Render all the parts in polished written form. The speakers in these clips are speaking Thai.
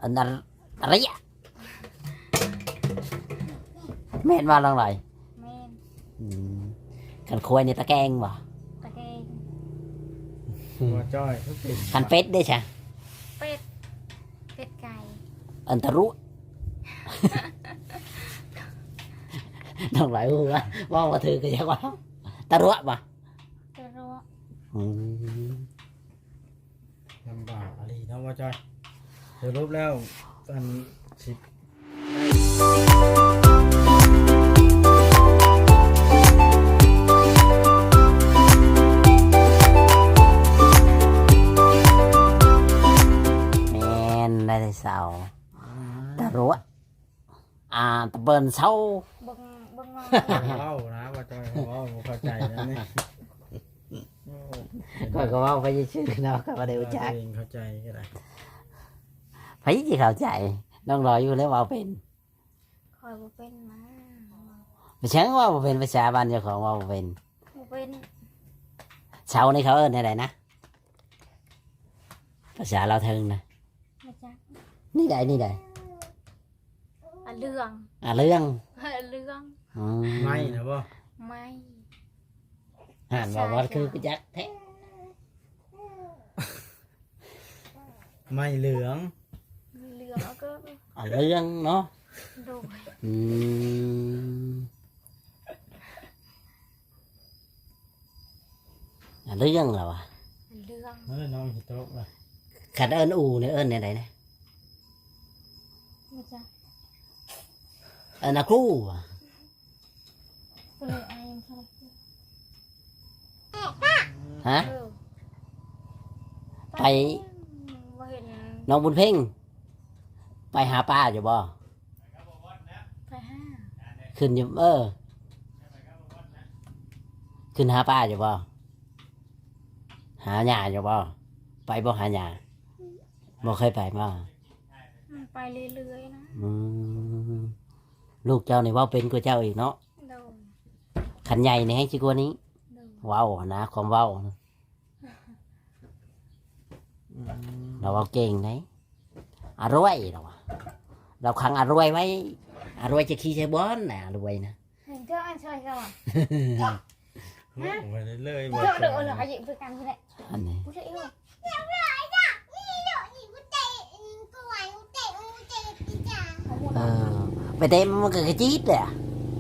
อันนั้นอะไรอ่ะแม่นว่าลองหน่อยแม่นกันคุยในตะแกรงบ่ตะแกรงหัวจ้อยทุกสิ่งกันเป็ดได้ใช่เป็ดเป็ดไก่อันตะรุน้องหลายพูดว่าถือก็จะว่าตะรุบ่ตะรัวลำบากอะไรเนาะหัวจ้อยสรุปแล้วอันสิบแม่นได้แต่เสาตะรุตะเบินเสาบึงบึงงอเล่านะหัวจ้อยเขาเล่าบ่เข้าใจนะนี่โอ้ก็ว่าไปชื่อเนาะก็บ่ได้รู้จักเองเข้าใจก็ได้ไปสิเข้าใจน้องรออยู่แล้วว่าเป็นคอยบ่เป็นมาไม่ใช่ว่าบ่เป็นภาษาบ้านเจ้าของว่าบ่เป็นบ่เป็นเสานี่เขาเอิ้นอะไรนะภาษาเราวเทิงนะมาจักนี่ใดนี่ใดอะเรื่องเรื่องเรื่องไม่นะบ่ไม่อ่านว่าว่าคือจักแท้ไม่เหลืองเรื่องแล้วก็เรื่องเนาะโดยอืมเรื่องเหรอวะเรื่องน้องหิโตะล่ะขัดเอิ้นอูเนี่ยเอิ้นเนี่ยไหนนะมาจักเอิ้นอาครูว่ะก็เลยอายยังเขาฮะเออไปบ่เห็นน้องบุญเพ่งไปหาป้าอยู่บ่ไปห้าขึ้นอยู่ขึ้นหาป้าอยู่บ่หาหญ้าอยู่บ่ไปบ่หาหญ้าบ่เคยไปบ่ไปเรื่อยๆนะอืมลูกเจ้านี่เว่าเป็นกว่าเจ้าอีกเนาะโดยขันใหญ่นี่ให้ชิกว่านี้โดยเว้านะความเว้านะเราเว้าเก่งไหนอร่อยเราอะเราขังอร่อยไว้อร่อยจะขี้ใช้บอนน่ะอร่อยนะเห็นเจ้าอันช่วยเขาอ่ะไปเรื่อยๆบ่เจ้าจ้เดืออย ดเหรอหยิบไปกันที่ไหนอันนี้ผู้ชายเอ้ยเออไปเต็มมันก็กระจี๊ดเลยอะ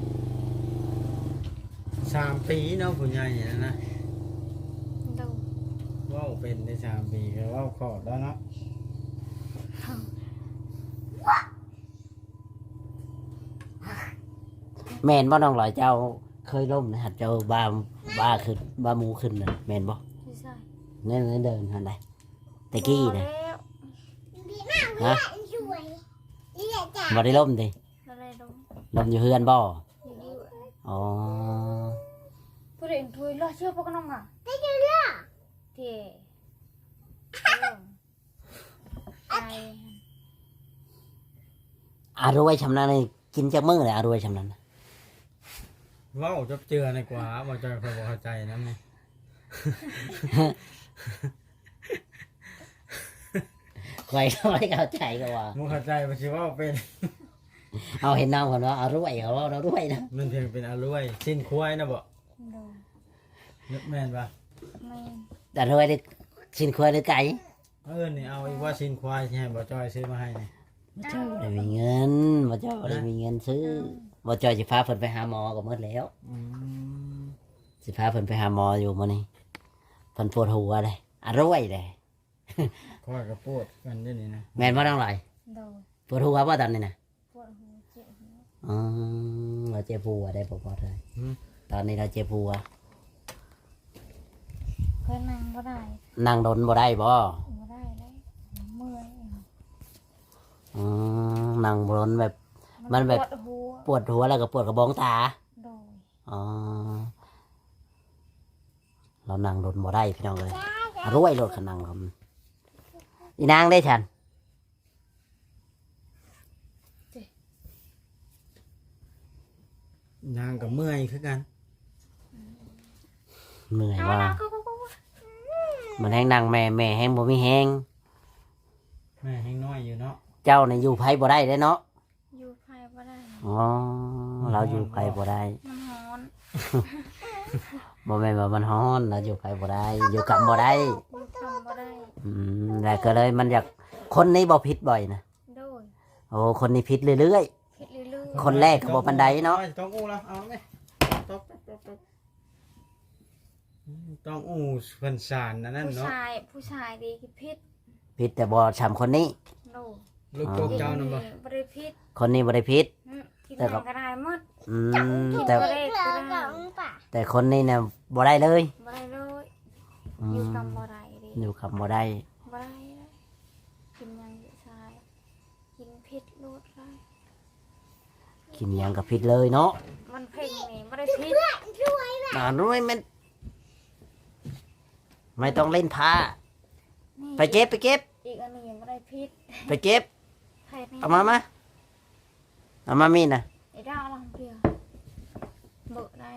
3 ปีเนาะผู้ใหญ่เนี่ยนะโดยเว้าเป็นได้3 ปีก็เว้าขอดแล้วเนาะแม่นบ่น้องหลอยเจ้าเคยล้มนะหัดเจ้าบ้าขึ้นบ้าหมูขึ้นนะแม่นบ่ผู้ชายเนี่ยเดินหันใดตะกี้นะแล้วฮะบ่ได้ล้มดิอะไรลงล้มอยู่เฮือนบ่อยู่ดีอ๋อผู้ใดช่วยล่อเชื่อพวกน้องอ่ะเที่ไออารวยชำนาญนี่กินจากมื้อเลยอารวยชำนาญนะเว้าจบเจือในกว่าบ่จ้อยค่อยบ่เข้าใจนำนี่ใครก็ไม่เข้าใจก็ว่าบ่เข้าใจว่าสิเว้าเป็นเอาเห็นน้องคนว่าอารวยเขาว่าเราด้วยนะมันเพียงเป็นอรวยสิ้นควายนะบ่โดนนึกแม่นป่ะไม่แต่รวยได้ชินควายหรือไก่นี่เอาอีกว่าสิ้นควายสิให้บ่จ้อยซื้อมาให้นี่บ่เจ้าบ่ได้มีเงินบ่เจ้าบ่ได้มีเงินซื้อบ่เจ้าสิพาเพิ่นไปหาหมอก็หมดแล้วอืมสิพาเพิ่นไปหาหมออยู่มื้อนี้เพิ่นปวดหัวเลยอารวยเลยข้อยก็ปวดกันเด้นี่นะแม่นบ่ต้องหลายโดนปวดหัวบ่ตอนนี้น่ะปวดหัวเจ็บหัวอ๋อเราเจ็บหัวได้บ่พอเลยตอนนี้เราเจ็บหัวเพื่อนนั่งก็ได้นั่งดนบ่ได้บ่ไม่ได้เลยเมื่อยอืนั่งบนแบบ มันแบบปวดหัวปวดหัวแล้วก็ปวดกระบองตาโดนอ๋อเรานั่งรถบ่ได้พี่น้องเลยรวยรถขนังครับอีนางได้ฉันนางก็เมื่อยคือกันเหนื่อยว่ามันแห้งนางแม่แห้งบ่มีแห้งแม่ยังน้อยอยู่เนาะเจ้านี่อยู่ไผบ่ได้เด้เนาะอยู่ไผบ่ได้อ๋อเราอยู่ไผบ่ได้มันร้อนบ่แม่นว่ามันร้อนเราอยู่ไผบ่ได้อยู่กับบ่ได้อยู่ทำบ่ได้แล้วก็เลยมันอยากคนนี้บ่ผิดบ่อยนะโดยโอ้คนนี้ผิดเรื่อยคิดเรื่อยคนแรกก็บ่ปานใดเนาะต้องอู้แล้วเอาไหมตบต้องอู้เพิ่นสารนั่นๆเนาะผู้ชายดีคือพิษผิดแต่บ่ช้ำคนนี้โดยลูกโป่งเจ้านั่นบ่บ่ได้พิษคนนี้บ่ได้ผิดกินแต่หยังก็ได้หมดแต่บ่ได้ก็ได้แต่คนนี้เนี่ยบ่ได้เลยบ่ได้เลยอือยู่มกับบ่ได้ดิอยู่กับบ่ได้บ่ได้เลยกินหยังผู้ชายกินพิษโลดได้กินหยังก็ผิดเลยเนาะมันเพ่งนี่บ่ได้พิษรู้ไหมมันไม่ต้องเล่นผ้านี่ไปเก็บอีกอันหนึงยังบ่ได้พิษไปเก็บไผนี่เอามามีดนะไอ้ดาวลองเดียวเบิกได้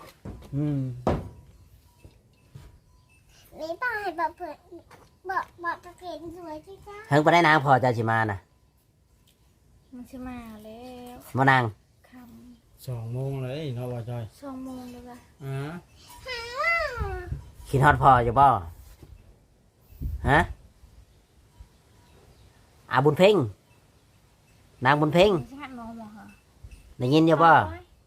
นี่ต้องให้บอกเพื่อนบอกประเพณสวยที่จ้าเพิ่งไปได้นางพอเจะชิมานะมันสิมาแล้วมานางค 2 โมงเลยเนาะว่าจอยำ2 โมงเลยว่ะอ่าคิดฮอดพออยู่บ่ฮะอาบุญเพ่งนางบุญเพ่งมันสิหัดนมเหรอได้ยินอยู่บ่บ่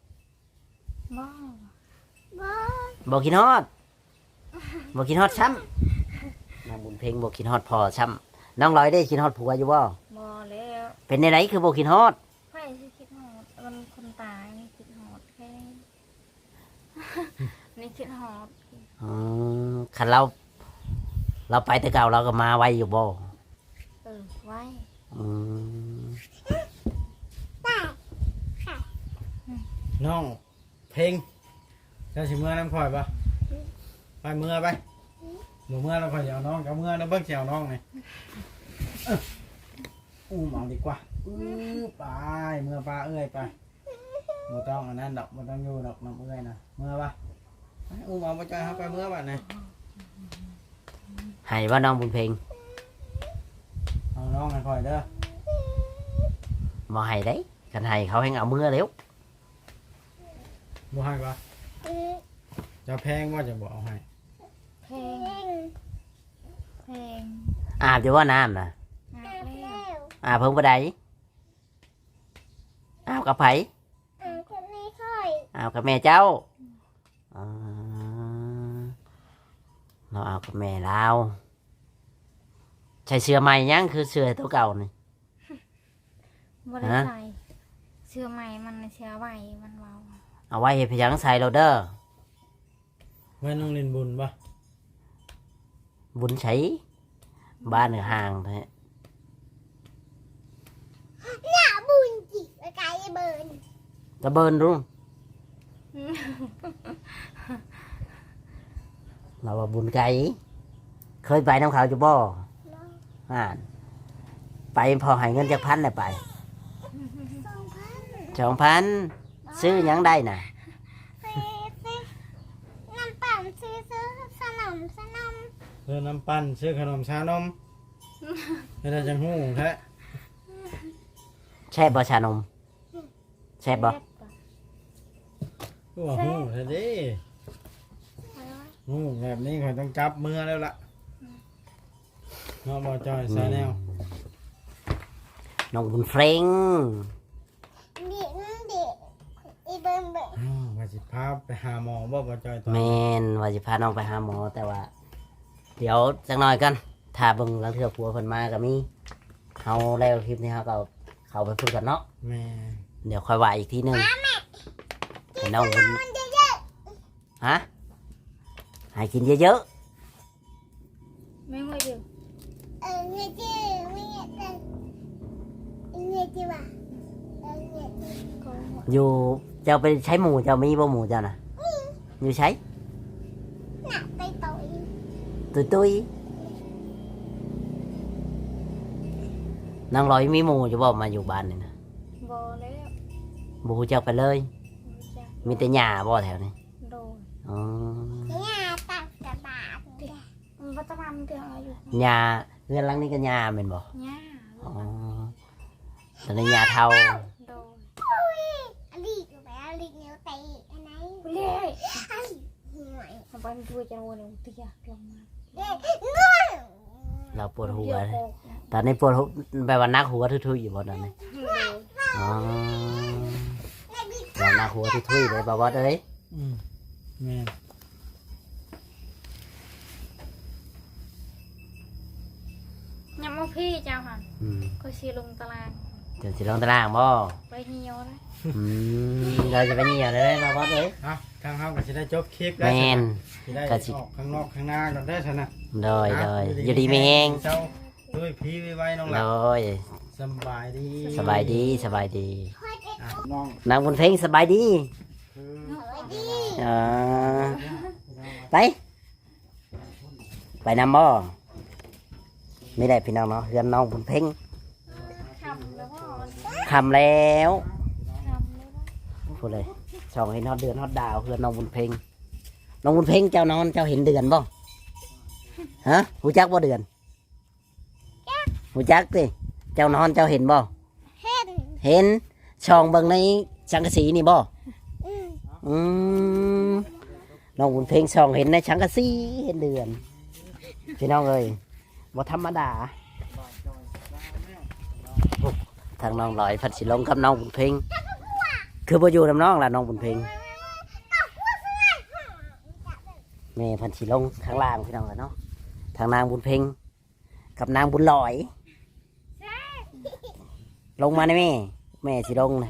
บ่คิดฮอดบ่คิดฮอดซ้ำนางบุญเพ่งบ่คิดฮอดพอซ้ำน้องลอยได้คิดฮอดผัวอยู่บ่บ่แล้วเป็นในไหนคือบ่คิดฮอดไผสิคิดฮอดมันคนตายนี่คิดฮอดแค่นี้ นี่คิดฮอดคันเราไปแต่เก่าเราก็มาไวอยู่บ่ไว้อืมน้องเพลงเจ้าสิเมื่อน้ำข่อยปะไปเมื่อไปหมู่เมื่อแล้วข่อยสิเอาน้องกับเมื่อแล้วเบิ่งสิเอาน้องนี่อู้มเอาดีกว่าไปเมื่อปลาเอ้ยไปบ่ต้องอันนั้นดอกบ่ต้องอยู่ดอกน้ำเอ้ยนะเมื่อปะไปอู้มเอาบ่จอยเฮาไปเมื่อบัดนี้ให้ว่าน้องบุญเพ่งเอาน้องให้ข่อยเด้อบ่ให้đấyคันให้เขาให้เอามือเร็วบ่ให้ปะจะแพงว่าจะบ่เอาให้เพลงเพลงอาบอยู่ว่าน้ำนะงานแล้วอาบเพิ่งบ่ได้อาบกับไผคนนี้ค่อยอาบกับแม่เจ้าอ่าเราอาบกับแม่เราใช้เสื้อใหม่ยังคือเสื้อตัวเก่านี่บ่ได้ฮะใส่เสื้อใหม่มันเสื้อใหม่มันเบาเอาไว้ให้พยังใส่เราเด้อไว้น้องเล่นบุญปะบุญใช้บ้านห่างแท้หน้าบุญจิกไกลเบิร์นตะเบินรุ่งเราว่าบุญไก่เคยไปน้ำเขาจุบ่อ่านไปพอให้เงินจากพันเลยไป 2,000 2,000ซื้อหยังได้น่ะซื้อน้ำปั่นซื้อขนมเพื่อน้ำปั้นซื้อขนมชานมไม่ได้จังหู้แท้แช่บบ่ชานมแช่บบ่ก็ว่าหู้แท้ดิหู้แบบนี้ข่อยต้องจับมือแล้วล่ะเนาะบ่จอยใส่แนวน้องบุญเฟงเด็กอีเบิร์นอ้าวว่าสิพาไปหาหมอบ่จอยตอนแมนว่าจะพาน้องไปหาหมอแต่ว่า เดี๋ยวจักหน่อยกันถ้าเบิ่งหลังเทื่อผัวเพิ่นมาก็มีเฮาแล้วคลิปนี้เฮาก็เข้าไปพูดกันเนาะแม่เดี๋ยวค่อยว่าอีกทีหนึงให้น้องบุญมันเยอะฮะให้กินเยอะไม่ไหวเดียวเงี้ยจื้อไม่เงี้ยจื้อเงี้ยจื้อว่ะเงี้ยจื้อก็หมดๆอยู่เจ้าไปใช้หมูเจ้ามีบ่หมูเจ้าน่ะอยู่ใช้หนักไปต่อยตุ้ยนางลอยมีหมูอยู่บ่มาอยู่บ้านนี่นะบ่แล้วบ่ฮู้จักไปเลยรู้จักมีแต่หญ้าบ่แถวนี้โดนอ๋อเนี่ยตักกระบาดมันปัจจุบันเดือนอะไรอยู่หญ้าเรือนหลังนี้ก็หญ้าแม่นบ่ย่าอ๋อตอนนี้ยาเทาโดนอลีกไปอลีกนิ้วเตะอันไหนไปเลยอลีกหน่อยทำไปมันด้วยจังหวะนี้ตีอยากลงมาเด็กง่วงเราปวดหัวเดี๋ยวเลยโกกนะตอนนี้ปวดหัวแบบว่านักหัวทุยๆอยู่บนนั้นเลยโดนอ๋อว่านักหัวทุยๆเลยบ่บ่เอ้ยแม่นยังมาพี่เจ้าค่ะอืมก็ชีลงตารางเดี๋ยวสิลงตารางบ่ไปเหี่ยวเลยเราจะไปเหี่ยวเลยบ่บ่เอ้ยเอาทางเฮาก็สิได้จบคลิปแมแล้วนสิได้ก็สิออกข้างนอกข้างหน้าก่อนได้อซั่นน่ะโดยอยู่ดีไม่แห้งเจ้าด้วยพีไว้น้องหโดลับยสบายดีสบายดีสบายดีอ่ะน้องนางบุญเพ็งสบายดีคือดีอ่าไป ไปนำบ่ไม่ได้พี่น้องเนาะเฮือนน้องบุญเพ็งคำแล้วก็คำแล้วคำแล้วก็พูดเลยช่องเห็นฮอดเดือนฮอดดาวเฮือนน้องบุญเพ็งน้องบุญเพ็งเจ้านอนเจ้าเห็นเดือนบ่ฮะหูจักบ่เดือนหูจักสิเจ้านอนเจ้าเห็นบ่เห็นเห็นช่องเบิ่งในสังกะสีนี่บ่อืมอืมน้องบุญเพ็งช่องเห็นในสังกะสีเห็นเดือนพี่น้องเอ้ยบ่ธรรมดาทางน้องลอยพัดสิลงกับน้องบุญเพ็งคือบ่อยู่นำน้องล่ะน้องบุญเพ็งแม่พันสิลงข้างล่างพี่น้องกันเนาะทางนางบุญเพ็งกับนางบุญลอย ลงมาได้แม่สิลงนะ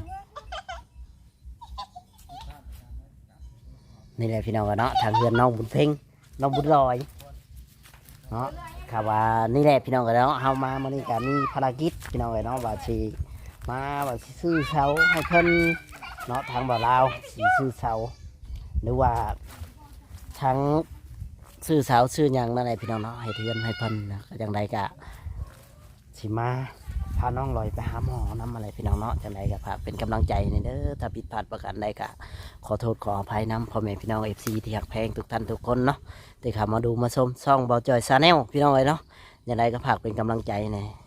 นี่แหละพี่น้องกันเนาะทางเรือนน้องบุญเพ็งน้องบุญลอยเนาะข่าวว่านี่แหละพี่น้องกันเนาะเฮามามื้อนี้ก็มีภารกิจพี่น้องกันเนาะว่าสิมาว่าสิซื้อเสาให้เพิ่นเนาะทางบ่าวลาวสิซื้อเสาหรือว่าทั้งซื้อเสาซื้อหยังนั่นแหละพี่น้องเนาะให้เทือนให้เพิ่นนะก็จังไดก็สิมา พาน้องลอยไปหาหมอน้ำอะไรพี่น้องเนาะจังไดก็ฝากเป็นกำลังใจในเด้อถ้าผิดพลาดประการใดก็ขอโทษขออภัยน้ำพ่อแม่พี่น้องFCที่หักแพงทุกท่านทุกคนเนาะที่เข้ามาดูมาชมช่องเบาจอยซาแนลพี่น้องเลยเนาะจังไดก็ฝากเป็นกำลังใจใน